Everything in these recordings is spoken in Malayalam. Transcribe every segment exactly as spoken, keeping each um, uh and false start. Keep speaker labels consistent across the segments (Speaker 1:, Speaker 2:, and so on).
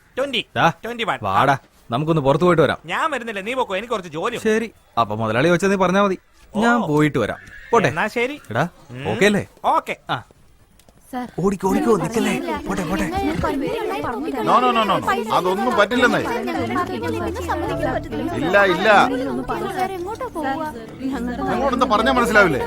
Speaker 1: വാടാ, നമുക്കൊന്ന് പുറത്തു പോയിട്ട് വരാം.
Speaker 2: ഞാൻ വരുന്നില്ല, നീ പോക്കോ, എനിക്ക് കുറച്ച് ജോലി.
Speaker 1: ശരി, അപ്പൊ മുതലാളി വെച്ചാൽ നീ പറഞ്ഞാ മതി, ഞാൻ പോയിട്ട് വരാം. പോട്ടെ.
Speaker 2: എന്നാ ശരി.
Speaker 1: എടാ, ഓക്കെ അല്ലേ?
Speaker 2: ഓക്കെ.
Speaker 1: ആ, ഓടിക്കോ ഓടിക്കോ, നിക്കല്ലേ. പോട്ടെ പോട്ടെ.
Speaker 3: നോ നോ നോ നോ അതൊന്നും പറ്റില്ലെന്നേ. ഇല്ല ഇല്ല, നിങ്ങളോടെന്താ പറഞ്ഞാ മനസ്സിലാവില്ലേ?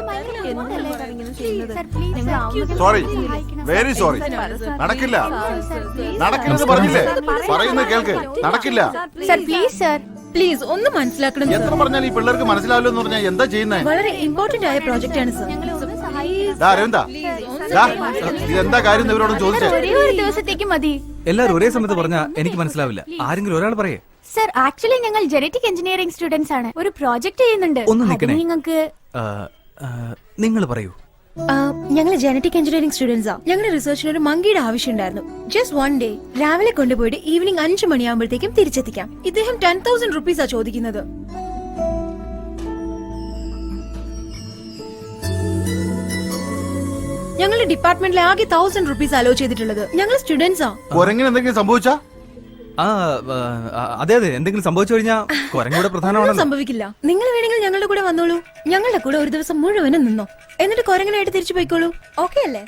Speaker 3: Sorry, very sorry. നടക്കില്ല, നടക്കില്ലെന്ന് പറഞ്ഞില്ലേ? പറയുന്നത് കേൾക്ക്, നടക്കില്ല.
Speaker 4: പ്ലീസ് ഒന്ന് മനസ്സിലാക്കണം.
Speaker 3: എത്ര പറഞ്ഞാൽ ഈ പിള്ളേർക്ക് മനസ്സിലാവില്ല എന്ന് പറഞ്ഞാൽ എന്താ ചെയ്യുന്നേ?
Speaker 4: വളരെ ഇമ്പോർട്ടന്റ് ആയ പ്രോജക്റ്റ് ആണ് സർ.
Speaker 3: അരവിന്ദ, ഇതെന്താ കാര്യം ഇവരോടും ചോദിച്ചേ?
Speaker 5: ഒരു ദിവസത്തേക്ക് മതി.
Speaker 1: എല്ലാരും ഒരേ സമയത്ത് പറഞ്ഞാ എനിക്ക് മനസ്സിലാവില്ല. ആരെങ്കിലും ഒരാൾ പറയേ.
Speaker 5: സർ, ആക്ച്വലി ഞങ്ങൾ ജനറ്റിക് എഞ്ചിനീയറിംഗ് സ്റ്റുഡൻസ് ആണ്. ഒരു പ്രോജക്ട് ചെയ്യുന്നുണ്ട്.
Speaker 1: ഒന്ന് നിൽക്കണേ.
Speaker 5: നിങ്ങൾക്ക്
Speaker 1: നിങ്ങൾ പറയൂ.
Speaker 4: ഞങ്ങൾ ജനറ്റിക് എഞ്ചിനീയറിംഗ് സ്റ്റുഡൻസാ. ഞങ്ങളുടെ റിസർച്ചിന് ഒരു മങ്കിയുടെ ആവശ്യം ഉണ്ടായിരുന്നു. ജസ്റ്റ് വൺ ഡേ രാവിലെ കൊണ്ടുപോയിട്ട് ഈവനിങ് അഞ്ചു മണിയാകുമ്പോഴത്തേക്കും തിരിച്ചെത്തിക്കാം. ഇദ്ദേഹം ടെൻ തൗസൻഡ് റുപ്പീസാ ചോദിക്കുന്നത്. ഞങ്ങളുടെ ഡിപ്പാർട്ട്മെന്റിൽ ആകെ തൗസൻഡ് റുപ്പീസ് അലോ ചെയ്തിട്ടുള്ളത്. ഞങ്ങൾ സ്റ്റുഡൻസാ.
Speaker 3: എന്തെങ്കിലും സംഭവിച്ചാ?
Speaker 1: ആ അതെ അതെ, എന്തെങ്കിലും സംഭവിച്ചു കഴിഞ്ഞാൽ കുരങ്ങൂടെ പ്രധാനമാണല്ലോ.
Speaker 4: സംഭവിക്കില്ല. നിങ്ങൾ വേണമെങ്കിൽ ഞങ്ങളുടെ കൂടെ വന്നോളൂ. ഞങ്ങളുടെ കൂടെ ഒരു ദിവസം മുഴുവനും നിന്നോ, എന്നിട്ട് കുരങ്ങനായിട്ട് തിരിച്ചു പോയിക്കോളൂ. ഓക്കെ അല്ലേ?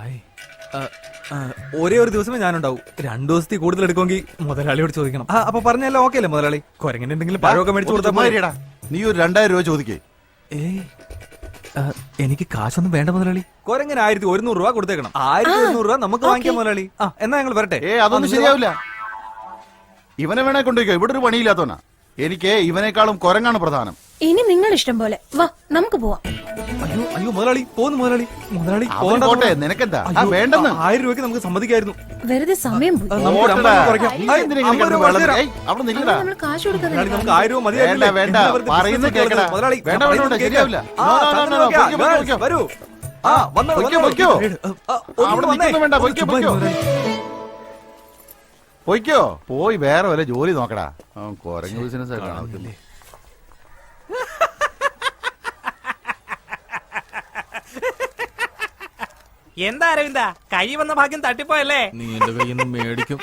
Speaker 1: ഒരേ ഒരു ദിവസമേ ഞാനുണ്ടാവും. രണ്ടു ദിവസത്തിൽ കൂടുതൽ എടുക്കുമെങ്കിൽ മുതലാളിയോട് ചോദിക്കണം. അപ്പൊ പറഞ്ഞല്ലോ ഓക്കെ അല്ലേ മുതലാളി? കുരങ്ങിന് എന്തെങ്കിലും പഴമൊക്കെ മേടിച്ചു കൊടുത്താ
Speaker 3: നീ ഒരു രണ്ടായിരം രൂപ ചോദിക്കേ.
Speaker 1: ഏയ്, എനിക്ക് കാശൊന്നും വേണ്ട മുതലാളി. കുരങ്ങിന് ആയിരത്തി ഒരുന്നൂറ് രൂപ കൊടുത്തേക്കണം. ആയിരത്തി ഒരുന്നൂറ് രൂപ നമുക്ക് വാങ്ങിക്കാം മുതലാളി. ആ, എന്നാ ഞങ്ങൾ വരട്ടെ.
Speaker 3: ഏ അതൊന്നും ശരിയാവില്ല. ഇവനെ വേണേ കൊണ്ടുപോയിക്കോ, ഇവിടെ ഒരു പണിയില്ലാത്തവനാ. എനിക്ക് ഇവനേക്കാളും കുരങ്ങാണ് പ്രധാനം.
Speaker 4: ഇനി നിങ്ങൾ ഇഷ്ടം പോലെ വാ, നമുക്ക് പോവാം.
Speaker 1: അയ്യോ അയ്യോ മുതലാളി, പോന്നു മുതലാളി. മുതലാളി
Speaker 3: പോട്ടെ, നിനക്കെന്താ വേണ്ടെന്ന്?
Speaker 1: ആയിരം രൂപയ്ക്ക് നമുക്ക് സമ്മതിക്കായിരുന്നു.
Speaker 4: വെറുതെ സമയം പോയി.
Speaker 1: നമുക്ക്
Speaker 4: കാശ് കൊടുക്കാൻ
Speaker 1: നമുക്ക് ആയിരം രൂപ മതി.
Speaker 3: വേണ്ട, പറയുന്നത് കേൾക്കടാ.
Speaker 1: മുതലാളി
Speaker 3: വേണ്ട വേണ്ട, ശരിയാവില്ല.
Speaker 1: വരൂ. ആ വന്നോ,
Speaker 3: അവിടെ നിൽക്കുന്നു. വേണ്ട, പൊയ്ക്കോ പൊയ്ക്കോ പൊയ്ക്കോ. പോയി വേറെ വല്ല ജോലി നോക്കടാ. കുരങ്ങ് ബിസിനസ് കാണത്തില്ലേ?
Speaker 2: എന്താ അരവിന്ദ, കൈ വന്ന ഭാഗ്യം തട്ടിപ്പോയല്ലേ?
Speaker 1: നീ എന്റെ കയ്യിൽ നിന്ന് മേടിക്കും.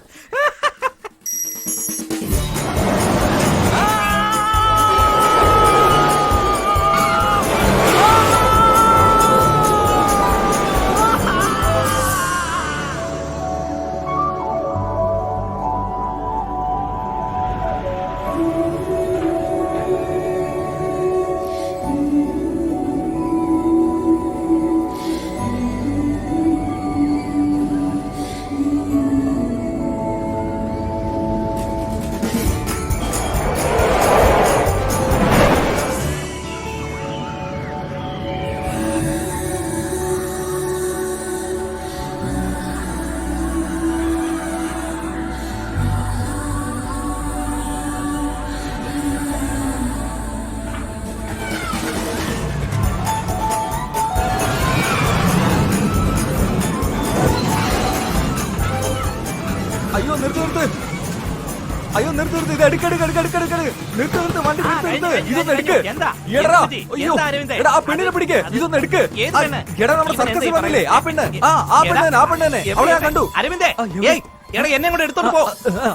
Speaker 1: അയ്യോ നിർത്ത് നിർത്ത്, അയ്യോ നിർത്ത് നിർത്ത്, ഇത് എടുക്കെടുക്ക് എടുക്കെടുക്ക് എടുക്കെടുക്ക്, നിർത്ത് നിർത്ത്, വണ്ടി നിർത്ത് നിർത്ത്, ഇതൊന്ന് എടുക്ക്. എടാ അയ്യോ, എടാ ആ പെണ്ണിനെ പിടിക്ക്, ഇതൊന്ന് എടുക്ക്. എടാ നമ്മുടെ സർക്കസിൽ വന്നില്ലേ ആ പെണ്ണ്, ആ ആ പെണ്ണ് ആ പെണ്ണ് തന്നെ, അവളെ ഞാൻ കണ്ടു.
Speaker 2: അരവിന്ദേ, എടാ എന്നെ കൊണ്ട് എടുത്തോണ്ട് പോ.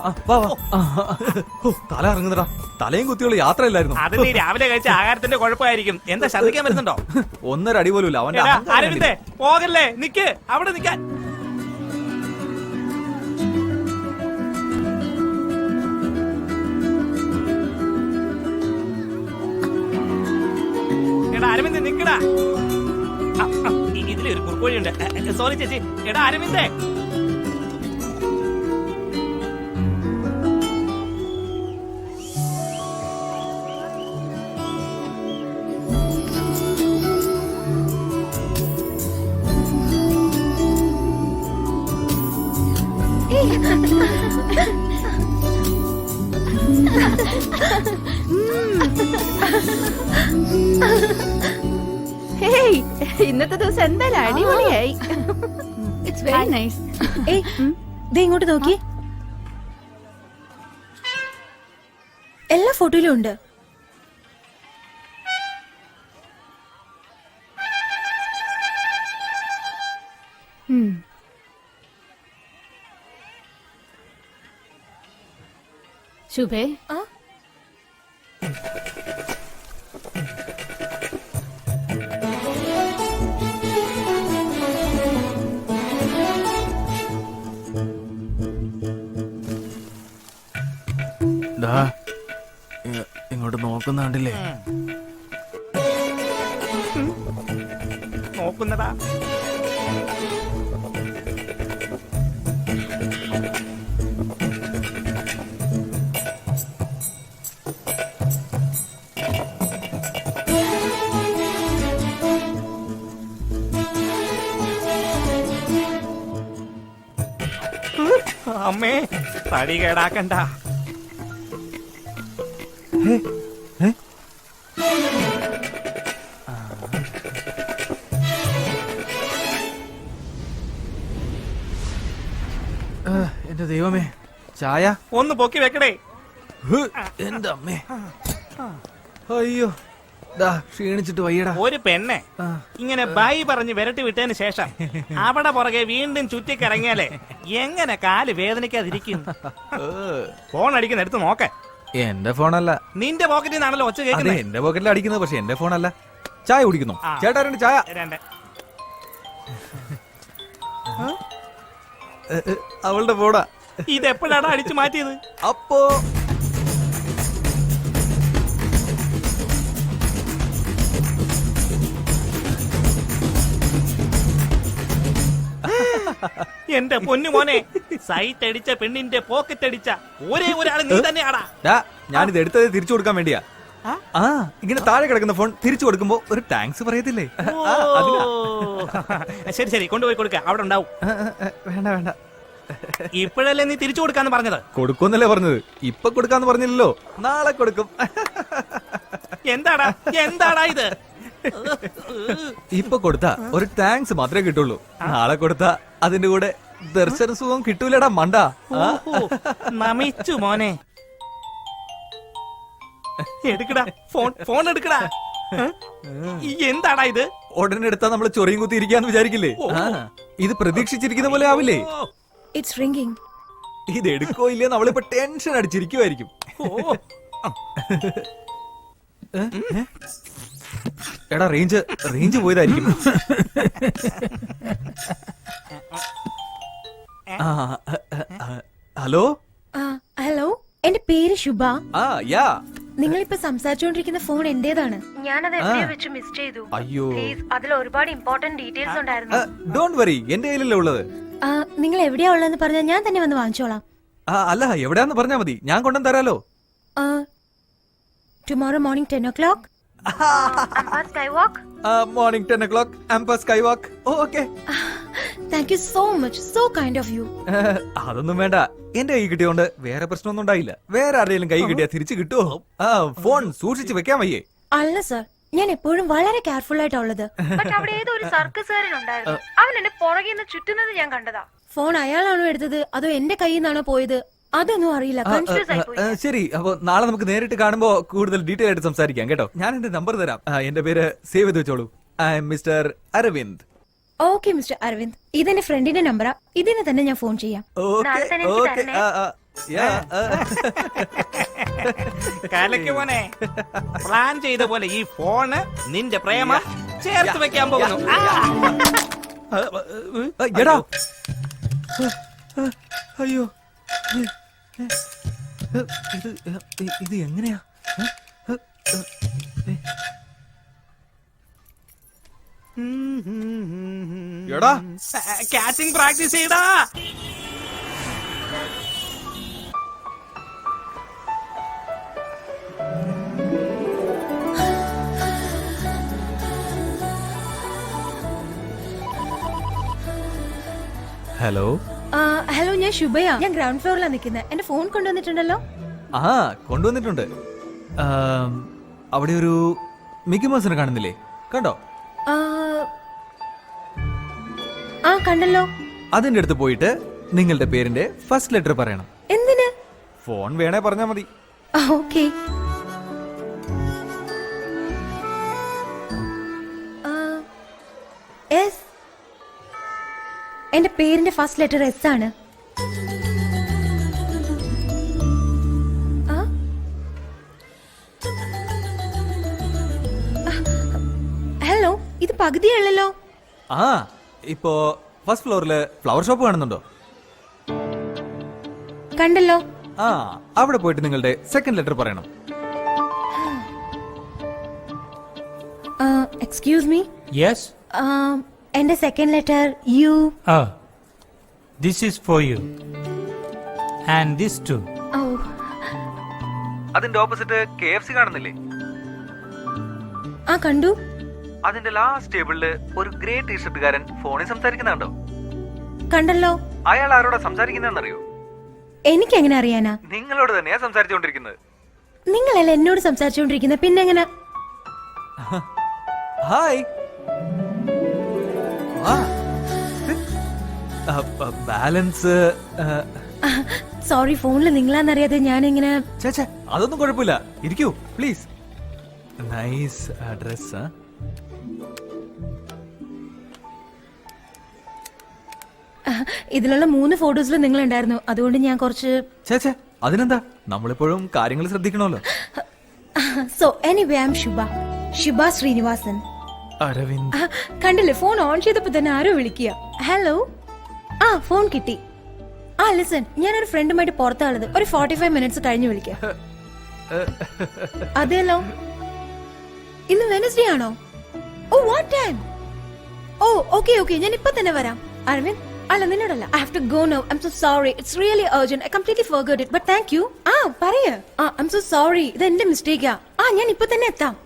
Speaker 1: തല ഇറങ്ങുന്നടാ, തലയും കുത്തിയുള്ള യാത്രയില്ലായിരുന്നു.
Speaker 2: അത് നീ രാവിലെ കഴിച്ച ആഹാരത്തിന്റെ കുഴപ്പമായിരിക്കും. എന്താ ശ്രദ്ധിക്കാൻ വരുന്നുണ്ടോ?
Speaker 1: ഒന്നര അടി പോലും ഇല്ല അവന്റെ.
Speaker 2: അരവിന്ദേ പോകല്ലേ, നിക്ക് അവിടെ നിക്കാൻ. അരവിന്ദ് നിക്കടാ, ഇതിലൊരു കുറുക്കോഴിയുണ്ട്. സോറി ചേച്ചി. എടാ അരവിന്ദേ,
Speaker 5: ഇന്നത്തെ ദിവസം എന്തായാലും അടിപൊളിയായി. It's very nice.
Speaker 4: ഏയ് ദേ ഇങ്ങോട്ട് നോക്കി, എല്ലാ ഫോട്ടോയിലും ഉണ്ട്.
Speaker 5: ശുഭേ
Speaker 4: ആ
Speaker 1: ഇങ്ങോട്ട് നോക്കുന്നുണ്ടില്ലേ?
Speaker 2: നോക്കുന്നതാ. അമ്മേ, തടി കേടാക്കണ്ട.
Speaker 1: എന്റെ ദൈവമേ, ചായ
Speaker 2: ഒന്ന് പൊക്കി വെക്കടേ.
Speaker 1: ഹ്, എന്റെ അമ്മേ. അയ്യോ, ദാ ക്ഷീണിച്ചിട്ട് വയ്യടാ.
Speaker 2: ഒരു പെണ്ണെ
Speaker 1: ആ.
Speaker 2: ഇങ്ങനെ ബൈ പറഞ്ഞ് വിരട്ടി വിട്ടതിന് ശേഷം അവിടെ പുറകെ വീണ്ടും ചുറ്റിക്കറങ്ങിയാലേ എങ്ങനെ കാല് വേദനിക്കാതിരിക്കും? ഫോൺ അടിക്കുന്ന എടുത്ത് നോക്ക.
Speaker 1: എന്റെ ഫോണല്ല.
Speaker 2: നിന്റെ പോക്കറ്റിൽ നിന്നാണല്ലോ ഒച്ച
Speaker 1: അതെ,
Speaker 2: കേൾക്കുന്നത്.
Speaker 1: എന്റെ പോക്കറ്റിൽ അടിക്കുന്നത്, പക്ഷെ എന്റെ ഫോണല്ല. ചായ കുടിക്കുന്നു.
Speaker 2: ആ.
Speaker 1: ചേട്ടാ രണ്ട് ചായ.
Speaker 2: രണ്ട്.
Speaker 1: എ, എ, അവളുടെ ഫോണാ.
Speaker 2: ഇതെപ്പോഴാണ് അടിച്ചു മാറ്റിയത്?
Speaker 1: അപ്പോ
Speaker 2: എന്റെ പൊന്നു മോനെ, സൈറ്റ് അടിച്ച പെണ്ണിന്റെ പോക്കറ്റ് അടിച്ച ഒരേ ഒരാൾ നീ തന്നെയാടാ.
Speaker 1: ഡാ, ഞാനിത് എടുത്തത് തിരിച്ചു കൊടുക്കാൻ വേണ്ടിയാ.
Speaker 2: ആ?
Speaker 1: ആ, ഇങ്ങനെ താഴെ കിടക്കുന്ന ഫോൺ തിരിച്ചു കൊടുക്കുമ്പോ ഒരു താങ്ക്സ് പറയത്തില്ലേ? ആ, അതിനാ.
Speaker 2: ഓ. ശരി ശരി, കൊണ്ടുപോയി കൊടുക്ക, അവിടെ ഉണ്ടാവും.
Speaker 1: ആ, ആ, ആ, വേണ്ട വേണ്ട,
Speaker 2: ഇപ്പോഴല്ലേ നീ തിരിച്ചു കൊടുക്കാന്ന് പറഞ്ഞത്?
Speaker 1: കൊടുക്കുമെന്നല്ലേ പറഞ്ഞത്. ഇപ്പൊ കൊടുക്കാന്ന് പറഞ്ഞില്ലല്ലോ, നാളെ കൊടുക്കും.
Speaker 2: എന്താടാ എന്താടാ ഇത്?
Speaker 1: ഇപ്പൊ കൊടുത്താ ഒരു താങ്ക്സ് മാത്രമേ കിട്ടുള്ളൂ. നാളെ കൊടുത്താ അതിന്റെ കൂടെ ദർശന സുഖം കിട്ടൂലടാ മണ്ട. ആ?
Speaker 2: ഓഹോ, നമിച്ചു മോനെ. എടുക്കടാ ഫോൺ, ഫോൺ എടുക്കടാ. ഈ എന്താടാ ഇത്?
Speaker 1: ഉടനെ എടുത്താ നമ്മള് ചൊറിയും കുത്തി ഇരിക്കാന്ന് വിചാരിക്കില്ലേ? ആ, ഇത് പ്രതീക്ഷിച്ചിരിക്കുന്ന പോലെ ആവില്ലേ?
Speaker 2: ഓ,
Speaker 4: ഇറ്റ്സ് റിംഗിങ്.
Speaker 1: ഇത് എടുക്കോ ഇല്ലേ നമ്മളിപ്പോ ടെൻഷൻ അടിച്ചിരിക്കുവായിരിക്കും.
Speaker 2: ഓ.
Speaker 1: ഏ? ഏ? എടാ, റേഞ്ച് റേഞ്ച് പോയതായിരിക്കും. ആ, ആ, ആ, ഹലോ.
Speaker 4: ഹലോ, എന്റെ പേര് ശുഭ.
Speaker 1: ആ, യാ.
Speaker 4: നിങ്ങളിപ്പോ സംസാരിച്ചുകൊണ്ടിരിക്കുന്ന ഫോൺ എന്റേതാണ്. ഞാനത് എവിടെയോ വെച്ച് മിസ് ചെയ്തു.
Speaker 1: അയ്യോ,
Speaker 4: അതിൽ ഒരുപാട് ഇമ്പോർട്ടന്റ് ഡീറ്റെയിൽസ് ഉണ്ടായിരുന്നു.
Speaker 1: ഡോണ്ട് വറി, എന്റെ കയ്യിലല്ലേ ഉള്ളത്.
Speaker 4: ആ, നിങ്ങൾ എവിടെയാ ഉള്ളതെന്ന് പറഞ്ഞാൽ ഞാൻ തന്നെ വന്ന് വാങ്ങിച്ചോളാം.
Speaker 1: ആ, അല്ല, എവിടെയാന്ന് പറഞ്ഞാ മതി, ഞാൻ കൊണ്ടുവന്ന് തരാലോ.
Speaker 4: Tomorrow morning ten o'clock sky walk.
Speaker 1: Morning ten o'clock ആംപ sky walk. Okay.
Speaker 4: Thank you so much, so kind of you.
Speaker 1: അതൊന്നും വേണ്ട, എന്റെ കൈ കിട്ടിയോണ്ട് വേറെ പ്രശ്നമൊന്നും ഉണ്ടായില്ല. വേറെ ആരുടെയും കൈ കിട്ടിയാ തിരിച്ചു കിട്ടുമോ? ആ, ഫോൺ സൂക്ഷിച്ച് വെക്കാൻ വയ്യേ?
Speaker 4: അല്ല സർ, ഞാൻ എപ്പോഴും വളരെ കെയർഫുൾ ആയിട്ടാ ഉള്ളത്. അവിടെ ഏതോ ഒരു സർക്കസുകാരനുണ്ടായിരുന്നു, അവൻ എന്നെ പുറകെ നിന്ന് ചുറ്റുന്നത് ഞാൻ കണ്ടതാ. ഫോൺ അയാളാണോ എടുത്തത് അതോ എന്റെ കയ്യിൽ നിന്നാണോ പോയത് അതൊന്നും അറിയില്ല. കൺഫ്യൂസ് ആയി പോയി.
Speaker 1: ആ, ശരി, അപ്പൊ നാളെ നമുക്ക് നേരിട്ട് കാണുമ്പോ കൂടുതൽ ഡീറ്റെയിൽ ആയിട്ട് സംസാരിക്കാം കേട്ടോ. ഞാൻ എന്റെ നമ്പർ തരാം. ആ, എന്റെ പേര് സേവ് ചെയ്ത് വെച്ചോളൂ. I am mister Aravind.
Speaker 4: Okay mister Aravind, ഇതെന്റെ ഫ്രണ്ടിന്റെ നമ്പറാ. ഇതിന് തന്നെ ഞാൻ ഫോൺ ചെയ്യാം. നാളെ തന്നെ എനിക്ക്
Speaker 1: ഓക്കെ.
Speaker 4: തരണേ.
Speaker 2: കലക്ക് മോനെ, പ്ലാൻ ചെയ്ത പോലെ ഈ ഫോണ് നിന്റെ പ്രേമ ചേർത്ത് വെക്കാൻ പോകുന്നു. ആ.
Speaker 1: എടാ, അയ്യോ, ഇത് ഇത് എങ്ങനെയാ? എടാ,
Speaker 2: കാച്ചിങ് പ്രാക്ടീസ് ചെയ്താ.
Speaker 1: ഹലോ.
Speaker 4: ഹലോ, ഞാൻ ശുഭയാ. ഞാൻ ഗ്രൗണ്ട് ഫ്ലോറിലാണ് നിൽക്കുന്നത്. എന്റെ ഫോൺ കൊണ്ടുവന്നിട്ടുണ്ടല്ലോ.
Speaker 1: ആ, കൊണ്ടുവന്നിട്ടുണ്ട്. ആം, അവിടെ ഒരു മിക്കി മൗസിനെ കാണുന്നില്ലേ? കണ്ടോ?
Speaker 4: ആ, ആ കണ്ടല്ലോ.
Speaker 1: അതിന്റെ അടുത്ത് പോയിട്ട് നിങ്ങളുടെ പേരിന്റെ ഫസ്റ്റ് ലെറ്റർ പറയണം.
Speaker 4: എന്തിന്?
Speaker 1: ഫോൺ വേണേ പറഞ്ഞാ മതി.
Speaker 4: ഓക്കെ. എസ്. എന്റെ പേരിന്റെ ഫസ്റ്റ് ലെറ്റർ എസ് ആണ്. ആ, ഇത് പകുതിയല്ലോ.
Speaker 1: ആ ഇപ്പോ ഫസ്റ്റ് ഫ്ലോറില് ഫ്ലവർ ഷോപ്പ് കാണുന്നുണ്ടോ?
Speaker 4: കണ്ടല്ലോ.
Speaker 1: ആ അവിടെ പോയിട്ട് നിങ്ങളുടെ സെക്കൻഡ് ലെറ്റർ പറയണം.
Speaker 4: Excuse me.
Speaker 6: Yes?
Speaker 4: എന്റെ second letter U.
Speaker 6: Oh. This is for you. And this too.
Speaker 4: ഓ
Speaker 1: അതിന്റെ ഓപ്പോസിറ്റ് കെ എഫ് സി കാണുന്നില്ലേ?
Speaker 4: ആ കണ്ടു.
Speaker 1: അതിന്റെ ലാസ്റ്റ് ടേബിളില് ഒരു ഗ്രേ ടീഷർട്ടുകാരൻ ഫോണിൽ സംസാരിക്കുന്നുണ്ടോ?
Speaker 4: കണ്ടല്ലോ.
Speaker 1: അയാൾ ആരോടാ സംസാരിക്കുന്നറിയോ?
Speaker 4: എനിക്ക് എങ്ങനെ അറിയാനാ?
Speaker 1: നിങ്ങളോട് തന്നെയാ സംസാരിച്ചുകൊണ്ടിരിക്കുന്നത്.
Speaker 4: നിങ്ങളല്ല എന്നോട് സംസാരിച്ചുകൊണ്ടിരിക്കുന്നത്, പിന്നെ എങ്ങനെ?
Speaker 1: ഹായ്. ബാലൻസ്
Speaker 4: സോറി, ഫോണിൽ നിങ്ങളാന്നറിയാതെ ഞാനിങ്ങനെ.
Speaker 1: ചേച്ചേ അതൊന്നും കുഴപ്പമില്ല, ഇരിക്കൂ പ്ലീസ്. Nice dress.
Speaker 4: ഇതിലുള്ള മൂന്ന് ഫോട്ടോസിൽ നിങ്ങൾ ഉണ്ടായിരുന്നു, അതുകൊണ്ട് ഞാൻ കുറച്ച്.
Speaker 1: ചേച്ചേ അതിനെന്താ, നമ്മളിപ്പോഴും കാര്യങ്ങൾ ശ്രദ്ധിക്കണമല്ലോ.
Speaker 4: So anyway I am Shubha, Shubha Srinivasan.
Speaker 1: Aravind.
Speaker 4: കണ്ടില്ലേ, ഫോൺ ഓൺ ചെയ്തപ്പോ തന്നെ ആരോ വിളിക്കുക. ഹലോ. ആ ഫോൺ കിട്ടി. ആ ലിസൺ, ഞാനൊരു ഫ്രണ്ടുമായിട്ട് പുറത്താളത്, ഒരു ഫോർട്ടി ഫൈവ് മിനിറ്റ്സ് കഴിഞ്ഞ് വിളിക്കാം. അതെല്ലോ. ഇന്ന് വെനസ്ഡേ ആണോ? Oh what time? Oh okay okay, ഞാൻ ഇപ്പൊ തന്നെ വരാം. അരവിന്ദ് അല്ല, നിന്നോടല്ല. I have to go now. I am so sorry, it's really urgent. I completely forgot it, but thank you. ആ പറയ. ആ ഐ ആം സോ സോറി, ഇത് എന്റെ മിസ്റ്റേക്കാ. ആ ഞാൻ ഇപ്പൊ തന്നെ എത്താം.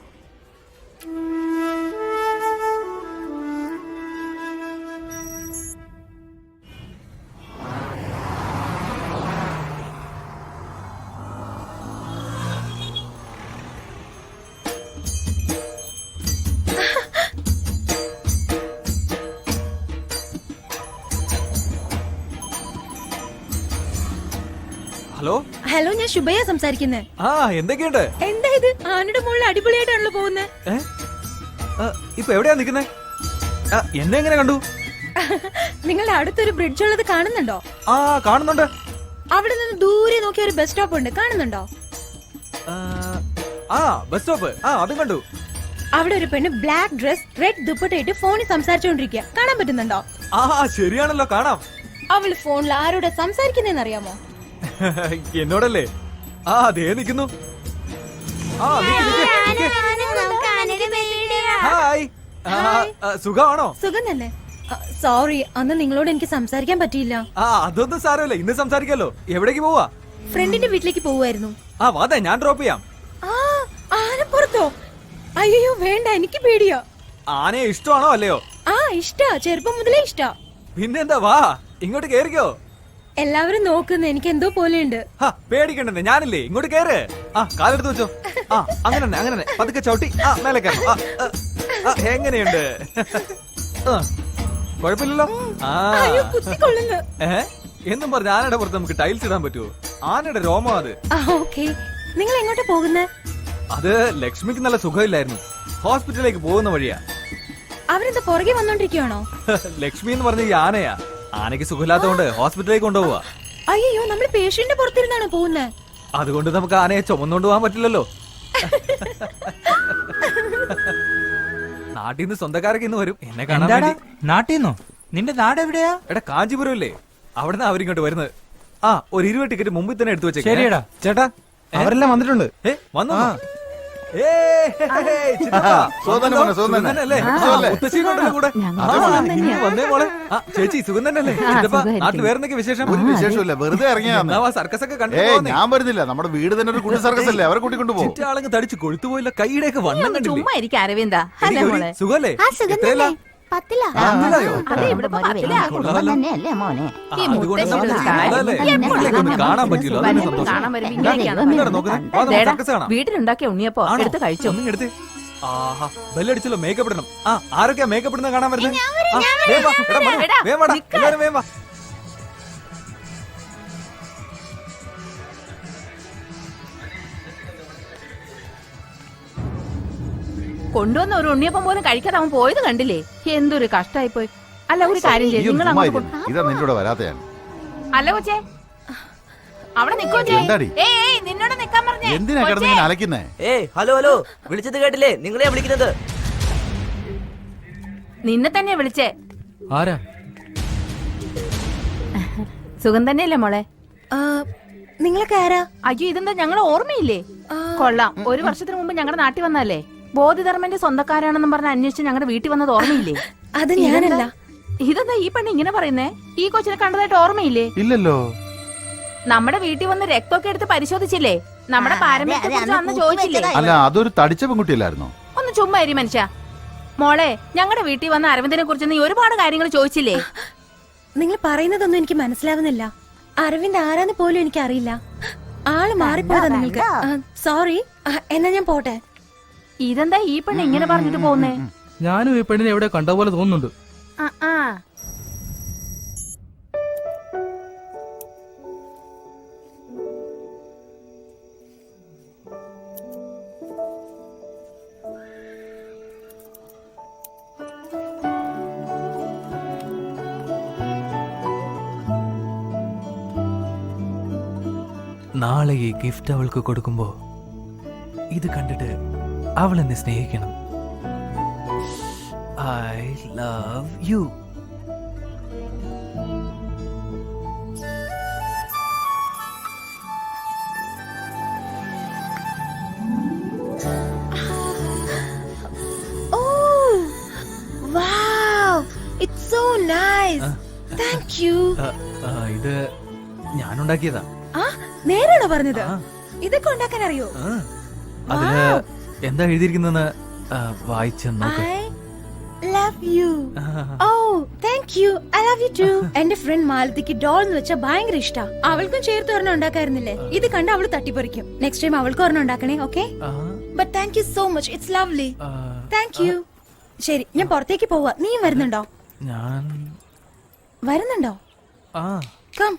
Speaker 1: ഹലോ.
Speaker 4: ഹലോ, ഞാൻ ശുഭയാ സംസാരിക്കുന്നത്.
Speaker 1: ആ എന്തൊക്കെയുണ്ട്?
Speaker 4: എന്താ ഇത്, ആനയുടെ മുകളിൽ അടിപൊളിയായിട്ടാണല്ലോ പോകുന്നത്.
Speaker 1: ഇപ്പൊ എവിടെയാ നിക്കുന്നേ? എന്നെ എങ്ങനെ കണ്ടു?
Speaker 4: നിങ്ങളുടെ അടുത്തൊരു ബ്രിഡ്ജ് ഉള്ളത് കാണുന്നുണ്ടോ?
Speaker 1: ആ കാണുന്നുണ്ട്.
Speaker 4: അവിടെ നിന്ന് ദൂരെ നോക്കിയ ഒരു ബസ് സ്റ്റോപ്പ് ഉണ്ട്, കാണുന്നുണ്ടോ?
Speaker 1: ആ ബസ് സ്റ്റോപ്പ്, ആ അതും കണ്ടു.
Speaker 4: അവിടെ ഒരു പെണ്ണ് ബ്ലാക്ക് ഡ്രസ് റെഡ് ദുപ്പട്ടയിട്ട് ഫോണിൽ സംസാരിച്ചോണ്ടിരിക്കുക, കാണാൻ പറ്റുന്നുണ്ടോ?
Speaker 1: ആ ശരിയാണല്ലോ, കാണാം.
Speaker 4: അവള് ഫോണിൽ ആരോടെ സംസാരിക്കുന്നേന്ന് അറിയാമോ?
Speaker 1: എന്നോടല്ലേ? ആ അതേ നിക്കുന്നു. ആ ഹായ്, സുഖമാണോ?
Speaker 4: സുഖം തന്നെ. സോറി, അന്ന് നിങ്ങളോട് എനിക്ക് സംസാരിക്കാൻ പറ്റിയില്ല.
Speaker 1: ആ അതൊന്നും സാരമില്ല, ഇന്ന് സംസാരിക്കാലോ. എവിടേക്ക് പോവാ?
Speaker 4: ഫ്രണ്ടിന്റെ വീട്ടിലേക്ക് പോവായിരുന്നു.
Speaker 1: ആ വാതെ, ഞാൻ ഡ്രോപ്പ് ചെയ്യാം.
Speaker 4: ആ ആനപ്പുറത്തോ? അയ്യോ വേണ്ട, എനിക്ക് പേടിയാ.
Speaker 1: ആനയെ ഇഷ്ടമാണോ അല്ലയോ?
Speaker 4: ആ ഇഷ്ടാ, ചെറുപ്പം മുതലേ ഇഷ്ടാ.
Speaker 1: പിന്നെന്താ, വാ ഇങ്ങോട്ട് കേറിക്കോ.
Speaker 4: എല്ലാവരും നോക്കുന്ന എനിക്ക് എന്തോ പോലെയുണ്ട്.
Speaker 1: പേടിക്കണ്ടെന്ന്, ഞാനില്ലേ, ഇങ്ങോട്ട് കേറ്. ആ കാലെടുത്ത് വെച്ചോ. ആ അങ്ങനെ തന്നെ അങ്ങനെ തന്നെ പതുക്കെ ചവിട്ടി. ആ മേലെ കയറും. എങ്ങനെയുണ്ട്? കുഴപ്പമില്ലല്ലോ. ആ ഏ എന്നും പറഞ്ഞ ആനയുടെ പുറത്ത് നമുക്ക് ടൈൽസ് ഇടാൻ പറ്റുമോ? ആനയുടെ രോമം അത്.
Speaker 4: ഓക്കേ, നിങ്ങൾ എങ്ങോട്ടാ പോകുന്നത്?
Speaker 1: അത് ലക്ഷ്മിക്ക് നല്ല സുഖമില്ലായിരുന്നു, ഹോസ്പിറ്റലിലേക്ക് പോകുന്ന വഴിയാ.
Speaker 4: അവരെന്താ പുറകെ വന്നോണ്ടിരിക്കുവാണോ?
Speaker 1: ലക്ഷ്മി എന്ന് പറഞ്ഞ ഈ ആനയാ. ആനയ്ക്ക് സുഖമില്ലാത്തതുകൊണ്ട് ഹോസ്പിറ്റലിലേക്ക് കൊണ്ടുപോവാ.
Speaker 4: അയ്യോ, നമ്മൾ പേഷ്യന്റ് പുറത്തിരുന്നാണ് പോകുന്നത്.
Speaker 1: അതുകൊണ്ട് നമുക്ക് ആനയെ ചുമന്നുകൊണ്ട് പോകാൻ പറ്റില്ലല്ലോ. നാട്ടിൽ നിന്ന് സ്വന്തക്കാരൊക്കെ ഇന്ന് വരും എന്നെ കാണാൻ വേണ്ടി.
Speaker 6: നാട്ടിന്നോ? നിന്റെ നാട് എവിടെയാ?
Speaker 1: എടാ കാഞ്ചീപുരം ഇല്ലേ, അവിടുന്ന് അവരിങ്ങോട്ട് വരുന്നത്. ആ ഒരു ഇരുപത് ടിക്കറ്റ് മുമ്പിൽ തന്നെ എടുത്തു വെച്ചേ.
Speaker 6: ശരിയടാ.
Speaker 1: ചേട്ടാ
Speaker 3: അവരെല്ലാം വന്നിട്ടുണ്ട്.
Speaker 1: ഏ വന്നു. ചേച്ചി സുഖം തന്നെയല്ലേ? നാട്ടിൽ വേറെന്തൊക്കെ വിശേഷം?
Speaker 3: ഒരു വിശേഷമില്ല, വെറുതെ ഇറങ്ങിയാ.
Speaker 1: സർക്കസ് ഒക്കെ കണ്ടു.
Speaker 3: ഞാൻ വരുന്നില്ല, നമ്മുടെ വീട് തന്നെ ഒരു കുട്ടി സർക്കസ് അല്ലേ, അവരെ കൂട്ടിക്കൊണ്ട് പോകും.
Speaker 1: ചുറ്റാളങ്ങ് തടിച്ച് കൊഴുത്തുപോയില്ല, കൈയുടെയൊക്കെ വണ്ണം കണ്ടില്ലേ?
Speaker 5: ചുമ്മാ ഇരിക്കും അരവിന്ദ.
Speaker 1: സുഖല്ലേ? എത്രയല്ല?
Speaker 4: പത്തിലാ.
Speaker 1: പത്തിലായോ?
Speaker 5: അതെ, ഇവിടെ പത്തിലാ.
Speaker 1: കൊള്ളാമല്ലോ.
Speaker 5: മോനെ
Speaker 1: ആ, അതുകൊണ്ട് നമുക്ക് അതല്ലേ, നിങ്ങളെയൊക്കെ ഒന്ന് കാണാൻ പറ്റിയല്ലോ, അതാണ് സന്തോഷം.
Speaker 5: കാണാൻ വരുമ്പോ ഇങ്ങനെയൊക്കെയാണ്
Speaker 1: എന്താണ് നോക്കുന്നത്? വാ, നമുക്ക് സർക്കസ് കാണാം.
Speaker 5: വീട്ടിലുണ്ടാക്കിയ ഉണ്ണിയപ്പോ
Speaker 1: ആണോ?
Speaker 5: എടുത്ത് കഴിച്ചു.
Speaker 1: ഒന്നും എടുത്ത്. ആഹാ, ബെല്ലടിച്ചല്ലോ, മേക്കപ്പ് ഇടണം. ആ ആരൊക്കെയാ മേക്കപ്പ് ഇടുന്നത് കാണാൻ വരുന്നത്? വേഗം വാ, എടാ, മനു, വേഗം വാടാ, എല്ലാവരും വേഗം വാ.
Speaker 5: കൊണ്ടുവന്ന ഒരു ഉണ്ണിയപ്പം പോലും കഴിക്കാതെ അവൻ പോയത് കണ്ടില്ലേ? എന്തൊരു കഷ്ടായി പോയി. അല്ല, ഒരു കാര്യം ചെയ്യും, നിങ്ങൾ അങ്ങോട്ട് പോ.
Speaker 3: ഇതാ നിന്റെ കൂടെ വരാത്തയാണ്.
Speaker 5: അല്ല കൊച്ചേ, അവിടെ നിക്കോ. നിന്നോട് നിക്കാൻ പറഞ്ഞേ.
Speaker 3: എന്തിനാ കിടന്ന് ഇങ്ങനെ അലക്കുന്നേ?
Speaker 7: ഏയ് ഹലോ ഹലോ, വിളിച്ചത് കേട്ടില്ലേ? നിങ്ങളെയാ വിളിക്കുന്നത്.
Speaker 5: നിന്നെ തന്നെയാ വിളിച്ചേ.
Speaker 1: ആരാ?
Speaker 5: സുഖം തന്നെയല്ലേ മോളെ?
Speaker 4: ആ, നിങ്ങളൊക്കെ ആരാ?
Speaker 5: അയ്യോ, ഇതെന്താ ഞങ്ങളെ ഓർമ്മയില്ലേ? കൊള്ളാം, ഒരു വർഷത്തിന് മുമ്പ് ഞങ്ങളുടെ നാട്ടിൽ വന്നല്ലേ. ബോധിധർമ്മന്റെ സ്വന്തക്കാരാണെന്നും പറഞ്ഞ് അന്വേഷിച്ച് ഞങ്ങളുടെ വീട്ടിൽ വന്നത് ഓർമ്മയില്ലേ?
Speaker 4: അത് ഞാനല്ല.
Speaker 5: ഇതെന്താ ഈ പെണ്ണ് ഇങ്ങനെ പറയുന്നേ? ഈ കൊച്ചിനെ കണ്ടതായിട്ട് ഓർമ്മയില്ലേ?
Speaker 3: ഇല്ലല്ലോ.
Speaker 5: നമ്മുടെ വീട്ടിൽ വന്ന് രക്തമൊക്കെ എടുത്ത് പരിശോധിച്ചില്ലേ? നമ്മുടെ പാരമ്പര്യത്തെ കുറിച്ച് അന്ന് ചോദിച്ചില്ലേ?
Speaker 3: അല്ല, അതൊരു തടിച്ച പെൺകുട്ടിയല്ലായിരുന്നോ?
Speaker 5: ഒന്ന് ചുമ്മാ ഇരി മനുഷ്യ. മോളെ, ഞങ്ങളുടെ വീട്ടിൽ വന്ന അരവിന്ദനെ കുറിച്ച് നീ ഒരുപാട് കാര്യങ്ങൾ ചോദിച്ചില്ലേ?
Speaker 4: നിങ്ങൾ പറയുന്നതൊന്നും എനിക്ക് മനസ്സിലാവുന്നില്ല. അരവിന്ദ് ആരാന്ന് പോലും എനിക്ക് അറിയില്ല. ആള് മാറിപ്പോയതാ നിങ്ങൾക്ക്. സോറി. എന്നാ ഞാൻ പോട്ടെ.
Speaker 5: ഇതെന്താ ഈ പെണ്ണ് ഇങ്ങനെ പറഞ്ഞിട്ട് പോകുന്നേ?
Speaker 1: ഞാനും ഈ പെണ്ണിനെ എവിടെ കണ്ട പോലെ തോന്നുന്നുണ്ട്.
Speaker 5: ആ ആ
Speaker 1: നാളെ ഈ ഗിഫ്റ്റ് അവൾക്ക് കൊടുക്കുമ്പോ ഇത് കണ്ടിട്ട് അവൾ എന്നെ സ്നേഹിക്കണം. I love you.
Speaker 4: Oh, wow, it's so nice. Thank you.
Speaker 1: ഇത് ഞാനുണ്ടാക്കിയതാ.
Speaker 4: ആ, നേരാണോ പറഞ്ഞത്? ഇതൊക്കെ ഉണ്ടാക്കാൻ അറിയോ?
Speaker 1: അതില് എന്താ എഴുതിയിരിക്കുന്നെന്ന് വായിച്ചു നോക്ക്.
Speaker 4: I love you. Oh, thank you. I love you too. എന്റെ ഫ്രണ്ട് മാലതിക്ക് ഡോൾ എന്ന് വെച്ചാൽ ഭയങ്കര ഇഷ്ടാ. അവൾക്കും ചേർത്ത് ഒരെണ്ണം ഉണ്ടാക്കായിരുന്നില്ലേ? ഇത് കണ്ട് അവള് തട്ടിപ്പറിക്കും. നെക്സ്റ്റ് ടൈം അവൾക്ക് ഒരെണ്ണം ഉണ്ടാക്കണേ, okay? But thank you so much. It's lovely. Thank you. ശരി, ഞാൻ പുറത്തേക്ക് പോവാ. നീയും വരുന്നുണ്ടോ?
Speaker 1: ഞാൻ
Speaker 4: വരുന്നുണ്ടോ?
Speaker 1: ആ
Speaker 4: കം.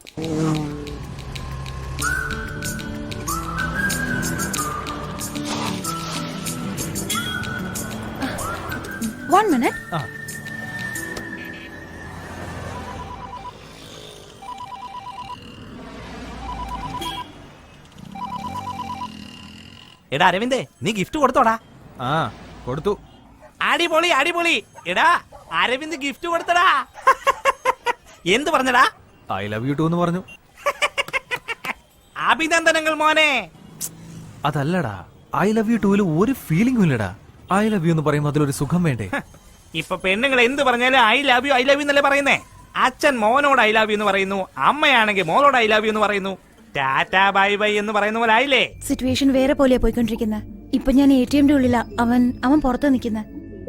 Speaker 4: One minute.
Speaker 1: ആ
Speaker 2: എടാ അരവിന്ദേ, നീ ഗിഫ്റ്റ് കൊടുത്തോടാ?
Speaker 1: ആ കൊടുത്തു.
Speaker 2: അടിപൊളി അടിപൊളി. എടാ അരവിന്ദ് ഗിഫ്റ്റ് കൊടുത്തടാ. എന്ത് പറഞ്ഞടാ?
Speaker 1: ഐ ലവ് യു ടു എന്ന് പറഞ്ഞു.
Speaker 2: അഭിനന്ദനങ്ങൾ മോനെ.
Speaker 1: അതല്ലടാ, ഐ ലവ് യു ടൂല് ഒരു ഫീലിംഗും ഇല്ലടാ. ഐ ലവ് യു എന്ന് പറയുമ്പോൾ അതിലൊരു സുഖം വേണ്ടേ?
Speaker 2: ഇപ്പൊ പെണ്ണുങ്ങൾ എന്ത് പറഞ്ഞാലും I love you I love you എന്നല്ലേ പറയുന്നേ. അച്ഛൻ മോനോട് ഐ ലവ് യു എന്ന് പറയുന്നു, അമ്മയാണെങ്കിൽ മോനോട് ഐ ലവ് യു എന്ന് പറയുന്നു. ടാറ്റാ ബൈ ബൈ എന്ന് പറയുന്ന പോലെ ആയില്ലേ?
Speaker 4: സിറ്റുവേഷൻ വേറെ പോലെയാ പോയിക്കൊണ്ടിരിക്കുന്നത്. ഇപ്പൊ ഞാൻ എ ടി എമ്മിന്റെ ഉള്ളിലാ. അവൻ അവൻ പുറത്ത് നിൽക്കുന്ന.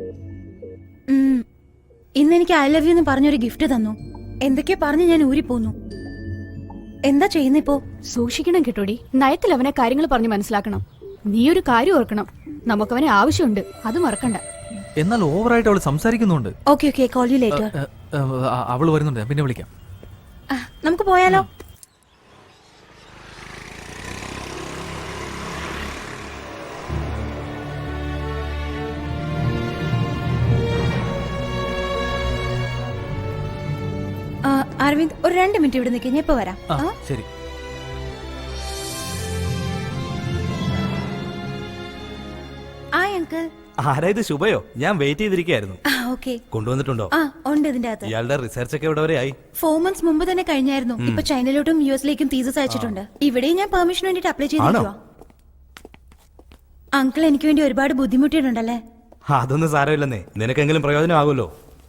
Speaker 4: ഇന്ന് എനിക്ക് ഐ ലവ് യു എന്ന് പറഞ്ഞൊരു ഗിഫ്റ്റ് തന്നു. എന്തൊക്കെയോ പറഞ്ഞ് ഞാൻ ഊരിപ്പോന്നു. എന്താ ചെയ്യുന്ന ഇപ്പോ?
Speaker 7: സൂക്ഷിക്കണം കേട്ടോടി. നയത്തിൽ അവനെ കാര്യങ്ങൾ പറഞ്ഞ് മനസ്സിലാക്കണം. നീ ഒരു കാര്യം ഓർക്കണം, നമുക്കവനെ ആവശ്യമുണ്ട്, അത് മറക്കണ്ട.
Speaker 1: എന്നാൽ ഓവറായിട്ട് അവൾ സംസാരിക്കുന്നുണ്ട്.
Speaker 4: Okay okay, call you later.
Speaker 1: അവള് വരുന്നുണ്ട്, പിന്നെ വിളിക്കാം.
Speaker 4: നമുക്ക് പോയാലോ? അരവിന്ദ്, ഒരു രണ്ട് മിനിറ്റ് ഇവിടെ നിൽക്കുക. ഞാൻ ഇപ്പൊ വരാം.
Speaker 1: ആ, ശരി.
Speaker 4: Hi uncle.
Speaker 2: ആരാ ഇത്? ശുഭയോ? ഞാൻ വെയിറ്റ് ചെയ്തിരിക്കുകയായിരുന്നു.
Speaker 4: ഓക്കെ.
Speaker 2: കൊണ്ടുവന്നിട്ടുണ്ടോ?
Speaker 4: ആ, ഉണ്ട് ഇതിന്റെ അകത്ത്.
Speaker 2: ഇയാളുടെ റിസർച്ച് ഒക്കെ എവിടെ വരെ ആയി?
Speaker 4: ഫോർ മന്ത്സ് മുമ്പ് തന്നെ കഴിഞ്ഞായിരുന്നു. ഇപ്പൊ ചൈനയിലോട്ടും യു എസിലേക്കും തീസസ് അയച്ചിട്ടുണ്ട്. ഇവിടെയും ഞാൻ പെർമിഷൻ വേണ്ടിട്ട് അപ്ലൈ ചെയ്തിരിക്കുക. അങ്കിൾ എനിക്ക് വേണ്ടി ഒരുപാട് ബുദ്ധിമുട്ടിയിട്ടുണ്ടല്ലേ?
Speaker 2: അതൊന്നും സാരമില്ലെന്നേ, നിനക്കെങ്കിലും പ്രയോജനമാകുമല്ലോ.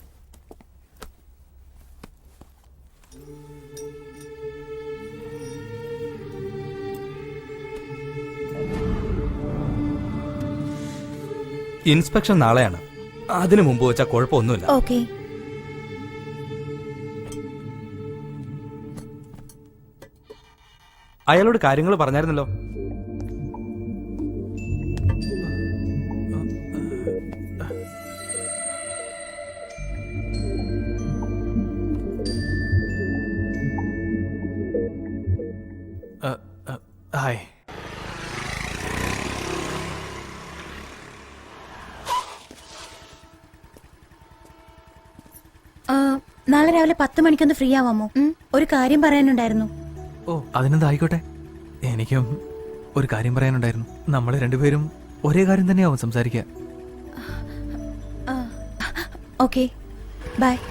Speaker 2: ഇൻസ്പെക്ഷൻ നാളെയാണ്. അതിനു മുമ്പ് വെച്ചാൽ കുഴപ്പമൊന്നുമില്ല.
Speaker 4: ഓക്കെ.
Speaker 2: അയാളോട് കാര്യങ്ങൾ പറഞ്ഞായിരുന്നല്ലോ.
Speaker 1: ഹായ്.
Speaker 4: നാളെ രാവിലെ പത്ത് മണിക്കൊന്ന് ഫ്രീ ആവാമോ? ഒരു കാര്യം പറയാനുണ്ടായിരുന്നു.
Speaker 1: ഓ, അതിനെന്താ, ആയിക്കോട്ടെ. എനിക്കും ഒരു കാര്യം പറയാനുണ്ടായിരുന്നു. നമ്മൾ രണ്ടുപേരും ഒരേ കാര്യം തന്നെയാവും സംസാരിക്കുക.
Speaker 4: Okay bye